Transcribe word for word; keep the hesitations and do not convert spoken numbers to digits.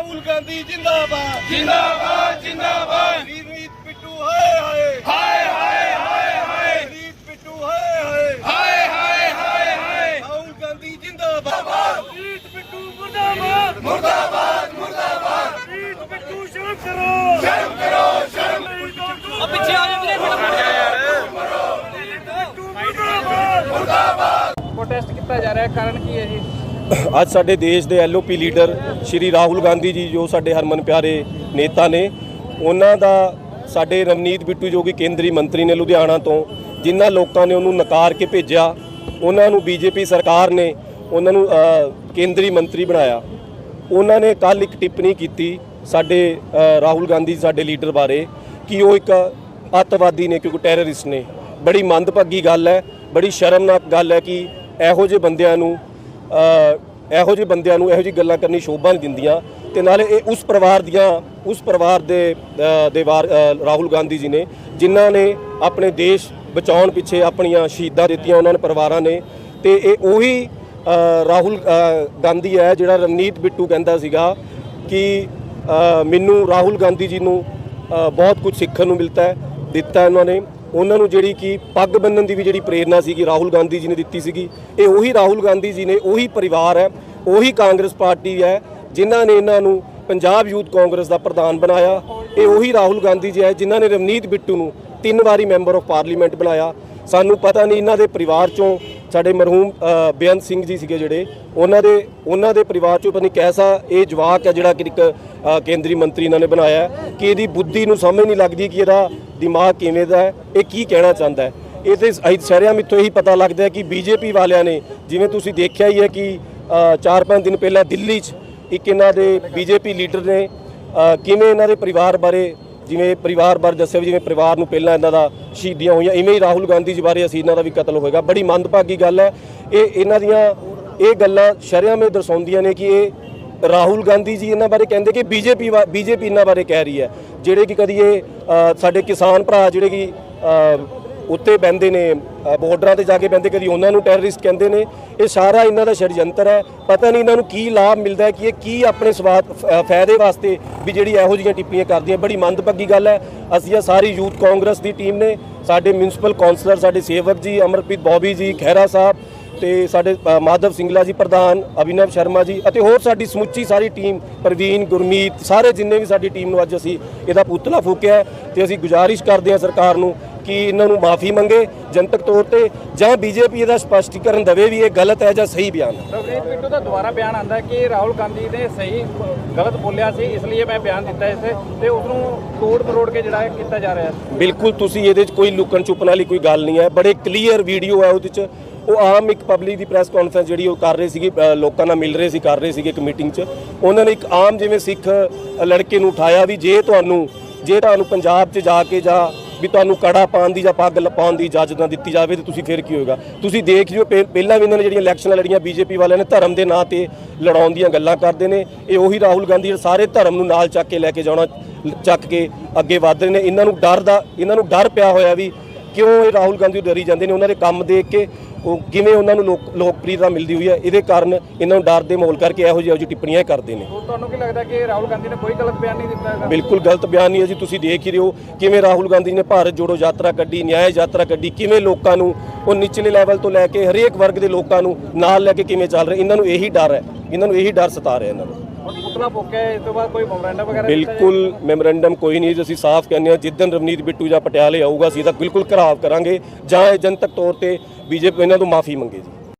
राहुल गांधी जिंदाबाद जिंदाबाद जिंदाबाद रीत पिट्टू हाय हाय हाय हाय हाय हाय रीत पिट्टू हाय हाय हाय हाय हाय हाय राहुल गांधी जिंदाबाद रीत पिट्टू मुर्दाबाद मुर्दाबाद मुर्दाबाद रीत पिट्टू शर्म करो शर्म करो शर्म अब पीछे आ जाओ मुर्दाबाद ਪ੍ਰੋਟੈਸਟ ਕੀਤਾ ਜਾ ਰਿਹਾ ਹੈ, ਕਾਰਨ ਕੀ ਹੈ ਜੀ? ਅੱਜ ਸਾਡੇ ਦੇਸ਼ ਦੇ L O P leader Shri Rahul Gandhi ji ਜੋ ਸਾਡੇ ਹਰਮਨ ਪਿਆਰੇ ਨੇਤਾ ਨੇ, ਉਹਨਾਂ ਦਾ ਸਾਡੇ ਰਵਨੀਤ ਬਿੱਟੂ ਜੋ ਕਿ ਕੇਂਦਰੀ ਮੰਤਰੀ ਨੇ ਲੁਧਿਆਣਾ ਤੋਂ, ਜਿਨ੍ਹਾਂ ਲੋਕਾਂ ਨੇ ਉਹਨੂੰ ਨਕਾਰ ਕੇ ਭੇਜਿਆ, ਉਹਨਾਂ ਨੂੰ ਬੀਜੇਪੀ ਸਰਕਾਰ ਨੇ ਉਹਨਾਂ ਨੂੰ ਕੇਂਦਰੀ ਮੰਤਰੀ ਬਣਾਇਆ। ਉਹਨਾਂ ਨੇ ਕੱਲ੍ਹ ਇੱਕ ਟਿੱਪਣੀ ਕੀਤੀ ਸਾਡੇ ਰਾਹੁਲ ਗਾਂਧੀ ਸਾਡੇ ਲੀਡਰ ਬਾਰੇ ਕਿ ਉਹ ਇੱਕ ਅੱਤਵਾਦੀ ਨੇ, ਕਿਉਂਕਿ ਟੈਰਰਿਸਟ ਨੇ। ਬੜੀ ਮੰਦਭਾਗੀ ਗੱਲ ਹੈ, ਬੜੀ ਸ਼ਰਮਨਾਕ ਗੱਲ ਹੈ ਕਿ ਇਹੋ ਜਿਹੇ ਬੰਦਿਆਂ ਨੂੰ ਇਹੋ ਜਿਹੇ ਬੰਦਿਆਂ ਨੂੰ ਇਹੋ ਜਿਹੀ ਗੱਲਾਂ ਕਰਨੀ ਸ਼ੋਭਾ ਨਹੀਂ ਦਿੰਦੀਆਂ। ਤੇ ਨਾਲੇ ਇਹ ਉਸ ਪਰਿਵਾਰ ਦੀਆਂ ਉਸ ਪਰਿਵਾਰ ਦੇ ਦੇ ਵਾਰ ਰਾਹੁਲ ਗਾਂਧੀ ਜੀ ਨੇ, ਜਿਨ੍ਹਾਂ ਨੇ ਆਪਣੇ ਦੇਸ਼ ਬਚਾਉਣ ਪਿੱਛੇ ਆਪਣੀਆਂ ਸ਼ਹੀਦਾਂ ਦਿੱਤੀਆਂ, ਉਹਨਾਂ ਨੇ ਪਰਿਵਾਰਾਂ ਨੇ। ਤੇ ਇਹ ਉਹੀ ਰਾਹੁਲ ਗਾਂਧੀ ਹੈ ਜਿਹੜਾ ਰਵਨੀਤ ਬਿੱਟੂ ਕਹਿੰਦਾ ਸੀਗਾ ਕਿ ਮੈਨੂੰ ਰਾਹੁਲ ਗਾਂਧੀ ਜੀ ਨੂੰ ਬਹੁਤ ਕੁਝ ਸਿੱਖਣ ਨੂੰ ਮਿਲਦਾ ਹੈ ਦਿੱਤਾ ਉਹਨਾਂ ਨੇ। ਉਹਨਾਂ ਨੂੰ ਜਿਹੜੀ ਕਿ ਪੱਗ ਬੰਨ੍ਹਣ ਦੀ ਵੀ ਜਿਹੜੀ ਪ੍ਰੇਰਨਾ ਸੀਗੀ ਰਾਹੁਲ ਗਾਂਧੀ ਜੀ ਨੇ ਦਿੱਤੀ ਸੀਗੀ। ਇਹ ਉਹੀ ਰਾਹੁਲ ਗਾਂਧੀ ਜੀ ਨੇ, ਉਹੀ ਪਰਿਵਾਰ ਹੈ, ਉਹੀ ਕਾਂਗਰਸ ਪਾਰਟੀ ਹੈ ਜਿਨ੍ਹਾਂ ਨੇ ਇਹਨਾਂ ਨੂੰ ਪੰਜਾਬ ਯੂਥ ਕਾਂਗਰਸ ਦਾ ਪ੍ਰਧਾਨ ਬਣਾਇਆ। ਇਹ ਉਹੀ ਰਾਹੁਲ ਗਾਂਧੀ ਜੀ ਹੈ ਜਿਨ੍ਹਾਂ ਨੇ ਰਵਨੀਤ ਬਿੱਟੂ ਨੂੰ ਤਿੰਨ ਵਾਰੀ ਮੈਂਬਰ ਆਫ ਪਾਰਲੀਮੈਂਟ ਬਣਾਇਆ। ਸਾਨੂੰ ਪਤਾ ਨਹੀਂ ਇਹਨਾਂ ਦੇ ਪਰਿਵਾਰ ਚੋਂ ਸਾਡੇ ਮਰਹੂਮ ਬੇਅੰਤ ਸਿੰਘ ਜੀ ਸੀਗੇ ਜਿਹੜੇ, ਉਹਨਾਂ ਦੇ ਉਹਨਾਂ ਦੇ ਪਰਿਵਾਰ ਚੋਂ ਪਤਾ ਨਹੀਂ ਕੈਸਾ ਇਹ ਜਵਾਕ ਹੈ ਜਿਹੜਾ ਕਿ ਇੱਕ ਕੇਂਦਰੀ ਮੰਤਰੀ ਇਹਨਾਂ ਨੇ ਬਣਾਇਆ ਕਿ ਇਹਦੀ ਬੁੱਧੀ ਨੂੰ ਸਮਝ ਨਹੀਂ ਲੱਗਦੀ ਕਿ ਇਹਦਾ ਦਿਮਾਗ ਕਿਵੇਂ ਦਾ ਹੈ, ਇਹ ਕੀ ਕਹਿਣਾ ਚਾਹੁੰਦਾ ਹੈ। ਇਹ ਤੇ ਸ਼ਹਿਰਿਆਂ ਮਿੱਥੋਂ ਇਹੀ ਪਤਾ ਲੱਗਦਾ ਹੈ ਕਿ ਬੀਜੇਪੀ ਵਾਲਿਆਂ ਨੇ, ਜਿਵੇਂ ਤੁਸੀਂ ਦੇਖਿਆ ਹੀ ਹੈ ਕਿ ਚਾਰ ਪੰਜ ਦਿਨ ਪਹਿਲਾਂ ਦਿੱਲੀ 'ਚ ਇੱਕ ਇਹਨਾਂ ਦੇ ਬੀਜੇਪੀ ਲੀਡਰ ਨੇ ਕਿਵੇਂ ਇਹਨਾਂ ਦੇ ਪਰਿਵਾਰ ਬਾਰੇ, ਜਿਵੇਂ ਪਰਿਵਾਰ ਬਾਰੇ ਦੱਸਿਆ ਵੀ ਜਿਵੇਂ ਪਰਿਵਾਰ ਨੂੰ ਪਹਿਲਾਂ ਇਹਨਾਂ ਦਾ ਸ਼ਹੀਦੀਆਂ ਹੋਈਆਂ, ਇਵੇਂ ਹੀ ਰਾਹੁਲ ਗਾਂਧੀ ਜੀ ਬਾਰੇ ਅਸੀਂ ਇਹਨਾਂ ਦਾ ਵੀ ਕਤਲ ਹੋਏਗਾ। ਬੜੀ ਮੰਦਭਾਗੀ ਗੱਲ ਹੈ। ਇਹ ਇਹਨਾਂ ਦੀਆਂ ਇਹ ਗੱਲਾਂ ਸ਼ਰਿਆਂ ਵਿੱਚ ਦਰਸਾਉਂਦੀਆਂ ਨੇ ਕਿ ਇਹ ਰਾਹੁਲ ਗਾਂਧੀ ਜੀ ਇਹਨਾਂ ਬਾਰੇ ਕਹਿੰਦੇ ਕਿ ਬੀਜੇਪੀ ਬੀਜੇਪੀ ਇਹਨਾਂ ਬਾਰੇ ਕਹਿ ਰਹੀ ਹੈ। ਜਿਹੜੇ ਕਿ ਕਦੀ ਇਹ ਸਾਡੇ ਕਿਸਾਨ ਭਰਾ ਜਿਹੜੇ ਕਿ ਉੱਤੇ ਬਹਿੰਦੇ ਨੇ, ਬਾਰਡਰਾਂ ਤੇ ਜਾ ਕੇ ਬਹਿੰਦੇ, ਕਦੀ ਉਹਨਾਂ ਨੂੰ ਟੈਰਰਿਸਟ ਕਹਿੰਦੇ ਨੇ। ਇਹ ਸਾਰਾ ਇਹਨਾਂ ਦਾ ਸ਼ੜਯੰਤਰ ਹੈ। ਪਤਾ ਨਹੀਂ ਇਹਨਾਂ ਨੂੰ ਕੀ ਲਾਭ ਮਿਲਦਾ ਹੈ ਕਿ ਇਹ ਕੀ ਆਪਣੇ ਸਵਾਦ ਫਾਇਦੇ ਵਾਸਤੇ ਵੀ ਜਿਹੜੀ ਇਹੋ ਜਿਹੀਆਂ ਟਿੱਪਣੀਆਂ ਕਰਦੀਆਂ। ਬੜੀ ਮੰਦਭਾਗੀ ਗੱਲ ਹੈ। ਅਸੀਂ ਇਹ ਸਾਰੀ ਯੂਥ ਕਾਂਗਰਸ ਦੀ ਟੀਮ ਨੇ, ਸਾਡੇ ਮਿਊਨਿਸਪਲ ਕੌਂਸਲਰ, ਸਾਡੇ ਸੇਵਕ ਜੀ, ਅਮਰਪ੍ਰੀਤ ਬੌਬੀ ਜੀ, ਖਹਿਰਾ ਸਾਹਿਬ ਤੇ ਸਾਡੇ ਮਾਧਵ ਸਿੰਗਲਾ ਜੀ ਪ੍ਰਧਾਨ, ਅਭਿਨਵ ਸ਼ਰਮਾ ਜੀ ਅਤੇ ਹੋਰ ਸਾਡੀ ਸਮੁੱਚੀ ਸਾਰੀ ਟੀਮ, ਪ੍ਰਵੀਨ, ਗੁਰਮੀਤ, ਸਾਰੇ ਜਿੰਨੇ ਵੀ ਸਾਡੀ ਟੀਮ ਨੂੰ ਅੱਜ ਅਸੀਂ ਇਹਦਾ ਪੁਤਲਾ ਫੂਕਿਆ। ਤੇ ਅਸੀਂ ਗੁਜ਼ਾਰਿਸ਼ ਕਰਦੇ ਹਾਂ ਸਰਕਾਰ ਨੂੰ ਕਿ ਇਹਨਾਂ ਨੂੰ ਮਾਫੀ ਮੰਗੇ ਜਨਤਕ ਤੌਰ ਤੇ, ਜਾਂ ਬੀਜੇਪੀ ਇਹਦਾ ਸਪਸ਼ਟੀਕਰਨ ਦੇਵੇ ਵੀ ਇਹ ਗਲਤ ਹੈ ਜਾਂ ਸਹੀ ਬਿਆਨ ਹੈ। ਰਵਨੀਤ ਬਿੱਟੂ ਦਾ ਦੁਬਾਰਾ ਬਿਆਨ ਆਉਂਦਾ ਕਿ ਰਾਹੁਲ ਗਾਂਧੀ ਨੇ ਸਹੀ ਗਲਤ ਬੋਲਿਆ ਸੀ, ਇਸ ਲਈ ਮੈਂ ਬਿਆਨ ਦਿੱਤਾ ਇਸੇ ਤੇ ਉਸ ਨੂੰ ਤੋੜ ਮਰੋੜ ਕੇ ਜਿਹੜਾ ਕੀਤਾ ਜਾ ਰਿਹਾ ਹੈ। ਬਿਲਕੁਲ, ਤੁਸੀਂ ਇਹਦੇ 'ਚ ਕੋਈ ਲੁਕਣ ਛੁਪਣ ਵਾਲੀ ਕੋਈ ਗੱਲ ਨਹੀਂ ਹੈ। ਬੜੇ ਕਲੀਅਰ ਵੀਡੀਓ ਹੈ ਉਹਦੇ 'ਚ। ਉਹ ਆਮ ਇੱਕ ਪਬਲਿਕ ਦੀ ਪ੍ਰੈਸ ਕਾਨਫਰੰਸ ਜਿਹੜੀ ਉਹ ਕਰ ਰਹੇ ਸੀਗੇ, ਲੋਕਾਂ ਨਾਲ ਮਿਲ ਰਹੇ ਸੀ, ਕਰ ਰਹੇ ਸੀਗੇ ਇੱਕ ਮੀਟਿੰਗ 'ਚ। ਉਹਨਾਂ ਨੇ ਇੱਕ ਆਮ ਜਿਵੇਂ ਸਿੱਖ ਲੜਕੇ ਨੂੰ ਉਠਾਇਆ ਵੀ ਜੇ ਤੁਹਾਨੂੰ ਜੇ ਤੁਹਾਨੂੰ ਪੰਜਾਬ 'ਚ ਜਾ ਕੇ ਜਾਂ ਵੀ ਤੁਹਾਨੂੰ ਕੜਾ ਪਾਉਣ ਦੀ ਜਾਂ ਪੱਗ ਪਾਉਣ ਦੀ ਇਜਾਜ਼ਤ ਨਾ ਦਿੱਤੀ ਜਾਵੇ ਤਾਂ ਤੁਸੀਂ ਫਿਰ ਕੀ ਹੋਏਗਾ। ਤੁਸੀਂ ਦੇਖ ਲਿਓ ਪਹਿਲਾਂ ਵੀ ਇਹਨਾਂ ਨੇ ਜਿਹੜੀਆਂ ਇਲੈਕਸ਼ਨਾਂ ਲੜੀਆਂ ਬੀਜੇਪੀ ਵਾਲਿਆਂ ਨੇ, ਧਰਮ ਦੇ ਨਾਂ ਤੇ ਲੜਾਉਣ ਦੀਆਂ ਗੱਲਾਂ ਕਰਦੇ ਨੇ। ਇਹ ਉਹੀ ਰਾਹੁਲ ਗਾਂਧੀ ਸਾਰੇ ਧਰਮ ਨੂੰ ਨਾਲ ਚੱਕ ਕੇ ਲੈ ਕੇ ਜਾਣਾ, ਚੱਕ ਕੇ ਅੱਗੇ ਵਧ ਰਹੇ ਨੇ। ਇਹਨਾਂ ਨੂੰ ਡਰ ਦਾ ਇਹਨਾਂ ਨੂੰ ਡਰ ਪਿਆ ਹੋਇਆ ਵੀ ਕਿਉਂ ਇਹ ਰਾਹੁਲ ਗਾਂਧੀ ਡਰੀ ਜਾਂਦੇ ਨੇ। ਉਹਨਾਂ ਦੇ ਕੰਮ ਦੇਖ ਕੇ ਉਹ ਕਿਵੇਂ ਉਹਨਾਂ ਨੂੰ ਲੋਕ ਲੋਕਪ੍ਰਿਯਤਾ ਮਿਲਦੀ ਹੋਈ ਹੈ, ਇਹਦੇ ਕਾਰਨ ਇਹਨਾਂ ਨੂੰ ਡਰ ਦੇ ਮਾਹੌਲ ਕਰਕੇ ਇਹੋ ਜਿਹੀ ਟਿੱਪਣੀਆਂ ਕਰਦੇ ਨੇ। ਤੁਹਾਨੂੰ ਕੀ ਲੱਗਦਾ ਕਿ ਰਾਹੁਲ ਗਾਂਧੀ ਨੇ ਕੋਈ ਗਲਤ ਬਿਆਨ ਨਹੀਂ ਦਿੱਤਾ ਹੈਗਾ? ਬਿਲਕੁਲ ਗਲਤ ਬਿਆਨ ਨਹੀਂ ਹੈ ਜੀ। ਤੁਸੀਂ ਦੇਖ ਹੀ ਰਹੇ ਹੋ ਕਿਵੇਂ ਰਾਹੁਲ ਗਾਂਧੀ ਨੇ ਭਾਰਤ ਜੋੜੋ ਯਾਤਰਾ ਕੱਢੀ, ਨਿਆਂ ਯਾਤਰਾ ਕੱਢੀ, ਕਿਵੇਂ ਲੋਕਾਂ ਨੂੰ ਉਹ ਨਿਚਲੇ ਲੈਵਲ ਤੋਂ ਲੈ ਕੇ ਹਰੇਕ ਵਰਗ ਦੇ ਲੋਕਾਂ ਨੂੰ ਨਾਲ ਲੈ ਕੇ ਕਿਵੇਂ ਚੱਲ ਰਹੇ। ਇਹਨਾਂ ਨੂੰ ਇਹੀ ਡਰ ਹੈ, ਇਹਨਾਂ ਨੂੰ ਇਹੀ ਡਰ ਸਤਾ ਰਿਹਾ ਇਹਨਾਂ ਨੂੰ। ਪੁਤਲਾ ਫੂਕਿਆ, ਇਸ ਤੋਂ ਬਾਅਦ ਕੋਈ ਮੈਮੋਰੈਂਡਮ ਵਗੈਰਾ? ਬਿਲਕੁਲ ਮੈਮੋਰੈਂਡਮ ਕੋਈ ਨਹੀਂ। ਅਸੀਂ ਸਾਫ਼ ਕਹਿੰਦੇ ਹਾਂ ਜਿੱਦਣ ਰਵਨੀਤ ਬਿੱਟੂ ਜਾਂ ਪਟਿਆਲੇ ਆਊਗਾ ਅਸੀਂ ਤਾਂ ਬਿਲਕੁਲ ਘਰਾਵ ਕਰਾਂਗੇ ਜਾਂ ਜਨਤਕ ਤੌਰ ਤੇ ਬੀਜੇਪੀ ਇਹਨਾਂ ਤੋਂ ਮਾਫੀ ਮੰਗੇ ਜੀ।